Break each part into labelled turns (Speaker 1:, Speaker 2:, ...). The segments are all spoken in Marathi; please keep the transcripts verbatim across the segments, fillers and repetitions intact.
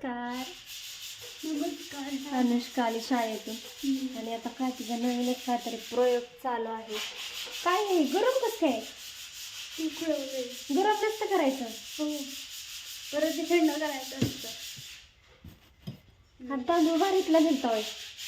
Speaker 1: नमस्कार.
Speaker 2: नमस्कार.
Speaker 1: अनुष्का आली शाळेतून आणि आता काय तिचा नवीनच काहीतरी प्रयोग चालू आहे. काय आहे गरम कसं काय? गरम नसतं करायचं.
Speaker 2: हो, परत ते थंड करायचं असतं.
Speaker 1: हा तांदूळ बारीकला दिलता होय.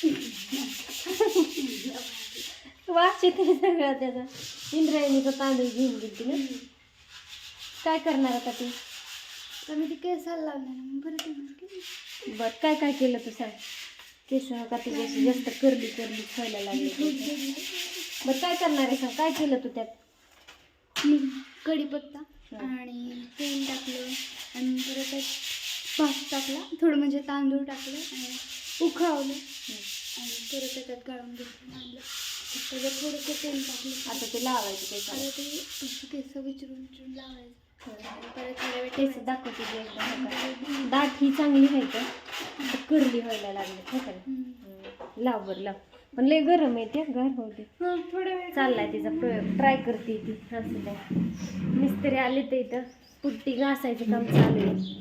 Speaker 1: वास येते सगळा त्याचा. इंद्रायणीचा तांदूळ घेऊन गेली ना. काय करणार आता ती?
Speaker 2: तर मी ते केसाला लावणार मग परत येणार की.
Speaker 1: बर काय काय केलं तू सांग. केस का तुझी अशी जास्त करली करली व्हायला लागली. बरं काय करणार आहे सांग. काय केलं तू त्यात?
Speaker 2: मी कढीपत्ता आणि तेल टाकलं आणि परत त्यात भात टाकला, थोडं म्हणजे तांदूळ टाकलं आणि उखळवलं आणि परत त्याच्यात गाळून घेतलं आणलं. त्याच्यात थोडंसं तेल टाकलं.
Speaker 1: आता ते लावायचं केस.
Speaker 2: आता ते असं केस विचारून विचारून लावायचं. परत थोड्या वेळ
Speaker 1: केस दाखवते ते एकदा. दाट ही चांगली आहे का करली व्हायला लागली हो का. लाव बरं लाव. पण लय गरम आहे ते घर होते.
Speaker 2: हां थोड्या वेळ
Speaker 1: चाललाय तिचा प्रयोग. ट्राय करते ती. असं नाही मिस्त्री आले तर इथं पुट्टी घासायचं काम चालू आहे.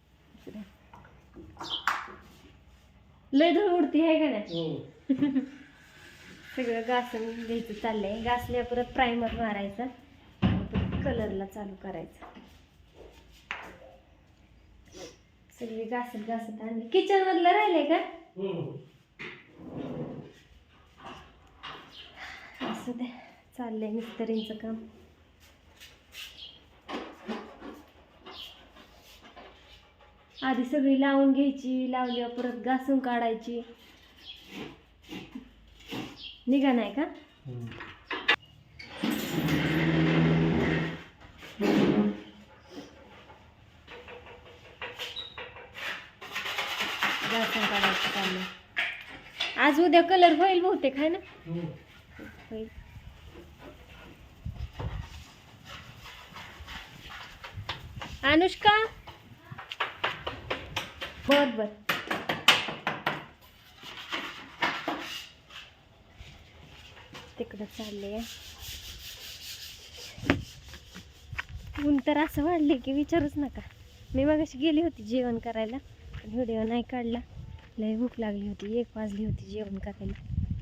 Speaker 1: लय धूळ उडती आहे का नाही. सगळं घासून घ्यायचं चाललंय. घासल्या परत प्रायमर मारायचा आणि परत कलरला चालू करायचं. सगळी घासत घासत आणि किचन मधलं राहिलंय का. असं दे चाललंय मिस्त्रींचं काम. आधी सगळी लावून घ्यायची. लावल्यावर परत घासून काढायची. निघा नाही का. घासून काढायचं चाललंय. आज उद्या कलर होईल बहुतेक आहे ना. होईल. अनुष्का बर बर. तिकडं चालले. ऊन तर असं वाढले की विचारूच नका. मी मगाशी गेली होती जेवण करायला पण व्हिडिओ नाही काढला. लय भूक लागली होती. एक वाजली होती जेवण करायला.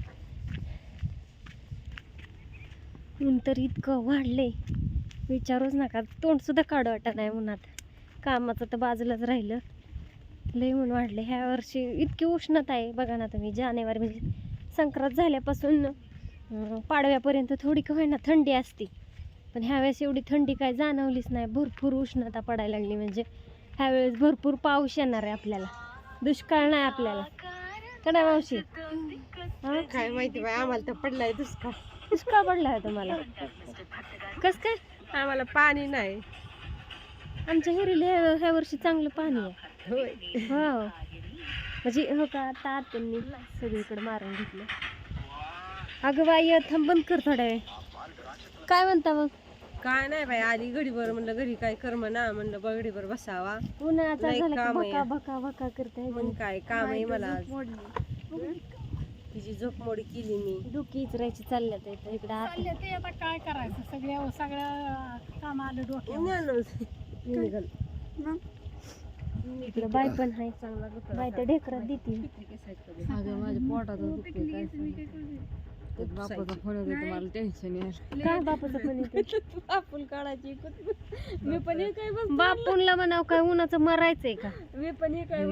Speaker 1: ऊन तर इतकं वाढले विचारूच नका. तोंड सुद्धा काढू वाटत नाही उन्हात. कामाचं तर बाजूलाच राहिलं. लय ऊन वाढले ह्या वर्षी. इतकी उष्णता आहे बघा ना तुम्ही. जानेवारी म्हणजे संक्रांत झाल्यापासून पाडव्यापर्यंत थोडी का होईना थंडी असते. पण ह्यावेळेस एवढी थंडी काय जाणवलीच नाही. भरपूर उष्णता पडायला लागली. म्हणजे ह्यावेळेस भरपूर पाऊस येणार आहे आपल्याला. दुष्काळ नाही आपल्याला का नाही मावशी. हा
Speaker 3: काय माहिती बाई आम्हाला तर पडलाय दुष्काळ.
Speaker 1: दुष्काळ पडला आहे तुम्हाला कस काय.
Speaker 3: आम्हाला पाणी नाही.
Speaker 1: आमच्या हिरीला ह्या वर्षी चांगलं पाणी आहे.
Speaker 3: होय
Speaker 1: हो म्हणजे हो का. आता त्यांनी सगळीकडे मारून घेतलं. अगं बाई थांब बंद कर थोड्या वेळ. काय म्हणता मग.
Speaker 3: काय नाही बाई आली घडीभर म्हणलं घरी काय कर्म ना म्हणलं बघडीभर बसावा.
Speaker 1: उन्हाळ्याचा
Speaker 3: लय
Speaker 1: झाला की
Speaker 3: काम आहे.
Speaker 1: भका भका भका करते.
Speaker 3: मग काय काम आहे मला आज.
Speaker 2: मोडली.
Speaker 3: तिची झोप मोडी केली मी.
Speaker 1: डोकी इचरायची चालल्यात इथं इकडं आत.
Speaker 2: चालले ते आता काय करायचं. सगळ्या सगळ्या काम आलं डोक्यावर.
Speaker 3: ज्ञानच निघाल.
Speaker 2: मग
Speaker 1: इकडं बाय पण आहे.
Speaker 3: चांगला
Speaker 1: बाय तर ढेकरात देते.
Speaker 3: अगं माझ्या पोटात दुखते काय बापाचा फोन येतो मला टेन्शन यार.
Speaker 1: काय बापाचं पण येते.
Speaker 3: बापून काढायची मी पण हे काय बस
Speaker 1: बापूनला म्हणाव काय उन्हाचं मरायचंय का.
Speaker 3: मी पण हे काय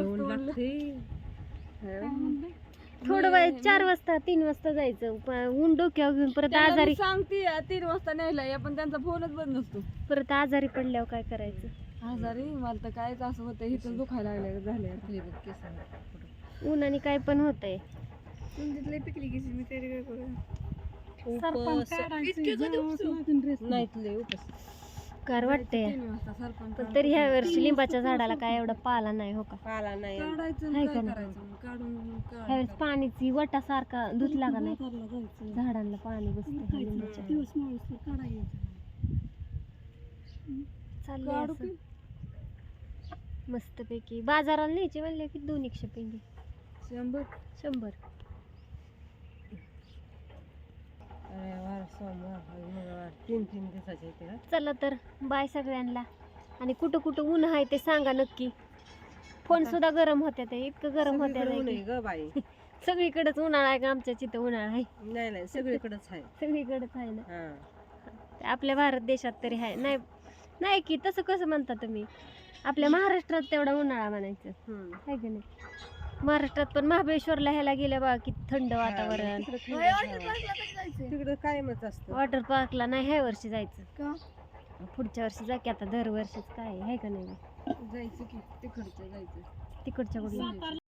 Speaker 1: थोडं वेळ चार वाजता तीन वाजता जायचं. प- ऊन डोक्यावर घेऊन परत आजारी
Speaker 3: सांगते तीन वाजता न्यायला पण त्यांचा फोनच बंद नसतो.
Speaker 1: परत आजारी पडल्यावर काय करायचं.
Speaker 3: आजारी मला तर कायच असं होतं इथं दुखायला लागले झाले.
Speaker 1: उन्हाने काय पण होतंय.
Speaker 2: तुमच्यातले पिकली की मी तरी काय करू.
Speaker 3: नाहीत लय उपास
Speaker 1: कार वाटतंय.
Speaker 3: तीन वाजता सरपंच
Speaker 1: पण तरी ह्या वर्षी लिंबाच्या झाडाला काय एवढा पाला नाही हो का.
Speaker 3: पाला नाही
Speaker 1: काय
Speaker 3: काय
Speaker 1: करणार?
Speaker 3: करायचं मग काढून
Speaker 1: ह्यावेळेस पाणीची वटासारखा धुतला का नाही
Speaker 3: जायचं
Speaker 1: झाडांना पाणी बसतं लिंबाच्या.
Speaker 2: दिवस माणूस काढायचं.
Speaker 1: चाललंय असं. मस्तपैकी बाजाराला न्यायची म्हणले की दोन एकशे पेंडी
Speaker 3: शंभर
Speaker 1: शंभर.
Speaker 3: रविवार सोमवार मंगळवार तीन तीन दिवसाचे येते का.
Speaker 1: चला तर बाय सगळ्यांना. आणि कुठं कुठं ऊन आहे ते सांगा नक्की. फोन सुद्धा गरम होत्या ते इतकं गरम होत्या
Speaker 4: सगळीकडे ऊन
Speaker 1: नाही
Speaker 4: आहे
Speaker 1: की.
Speaker 4: ग बाई.
Speaker 1: सगळीकडेच उन्हाळा आहे का आमच्या तिथं उन्हाळा आहे
Speaker 4: नाही नाही सगळीकडेच आहे.
Speaker 1: सगळीकडेच आहे ना
Speaker 4: हा
Speaker 1: आपल्या भारत देशात तरी आहे नाही नाही की तसं कसं म्हणता तुम्ही आपल्या महाराष्ट्रात तेवढा उन्हाळा म्हणायचं
Speaker 4: हम्म.
Speaker 1: आहे की नाही महाराष्ट्रात पण महाबळेश्वरला ह्याला गेल्या बघा किती थंड वातावरण
Speaker 4: तिकडे थंड
Speaker 2: वॉटर
Speaker 4: हवा.
Speaker 2: पार्कला कधी जायचंय?
Speaker 4: तिकडे कायमच असतं.
Speaker 1: वॉटर पार्कला नाही ह्या वर्षी जायचं
Speaker 2: का?
Speaker 1: पुढच्या वर्षी जा की आता दरवर्षीच काय आहे का नाही
Speaker 3: जायचं की तिकडचं जायचं
Speaker 1: तिकडच्या कुठल्या